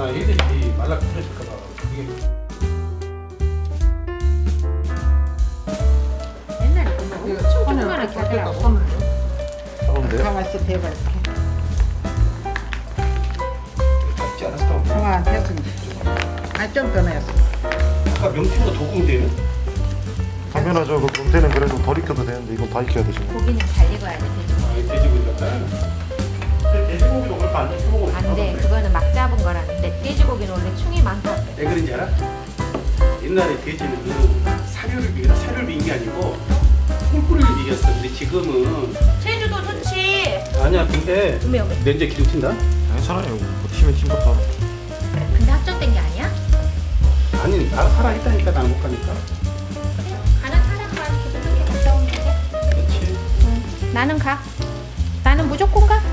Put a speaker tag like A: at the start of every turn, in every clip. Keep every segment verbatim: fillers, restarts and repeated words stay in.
A: 나 얘들이 말라 그랬을까 봐. 이게
B: 옛날에 그거 엄청 조그만하게 하더라고.
A: 잡으면 돼요?
C: 가만히 있어 대봐 이렇게.
A: 잡지 않았어.
C: 와 됐습니다. 아좀 더 내었어.
A: 아까 명태보다 더 공대네.
D: 당연하죠. 그 금태는 그래도 덜 익혀도 되는데 이건 다 익혀야 되죠.
B: 고기는 잘 익어야 돼. 돼지고기.
A: 아, 이 돼지고기 같다. 근데 돼지고기도 그렇게 안 익혀 먹으면
B: 안 돼. 그거는 막 잡은 거라는데 돼지고기는 원래 충이 많다.
A: 왜 그런지 알아? 옛날에 돼지는 사료를 비겨 사료를 비긴 게 아니고 꿀꿀이를 비겼어. 근데 지금은
B: 제주도 좋지.
A: 아니야. 근데
B: 왜 왜?
A: 냉재 기름 튄다?
D: 괜찮아요. 뭐 튀면 튄 것도.
B: 근데 확정된 게 아니야?
A: 아니 나 살아있다니까 나 못 가니까.
B: 가는 사람만 그렇게 갔다 오면 돼.
A: 그렇지.
B: 응. 나는 가. 나는 무조건 가.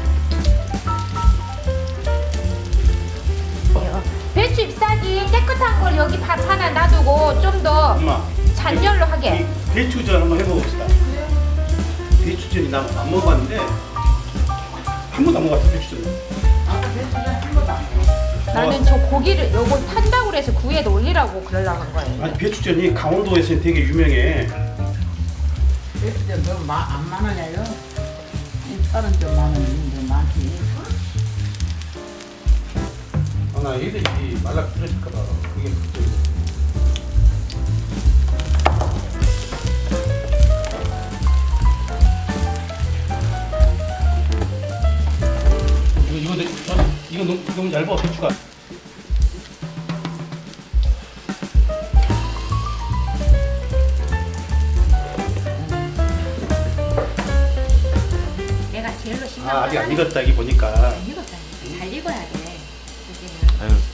B: 어, 배추 잎사귀 깨끗한 걸 여기 밥 하나 놔두고 좀 더
A: 엄마.
B: 잔열로 하게.
A: 이 배추전 한번 해먹읍시다. 배추전이 나 안 먹어봤는데 한 번도 안 먹어봤어 배추전.
B: 나는 저 고기를 요거 탄다고 그래서 구이에다 올리라고 그러려고 한 거예요.
A: 아니 배추전이 강원도에서 되게 유명해.
C: 배추전 너안 많아요? 인파는 좀 많은데 많지.
A: 아, 나 얘들이 말라 그랬을까 봐. 그게 걱정이. 이거 이거 내- 저- 이거 너무 너무 얇아 배추가.
B: 내가 제일로 신경
A: 아 아직 안
B: 쓰는
A: 익었다 이 보니까.
B: 안 익었다니까. 잘 익어야 돼. 고기는.
D: 아유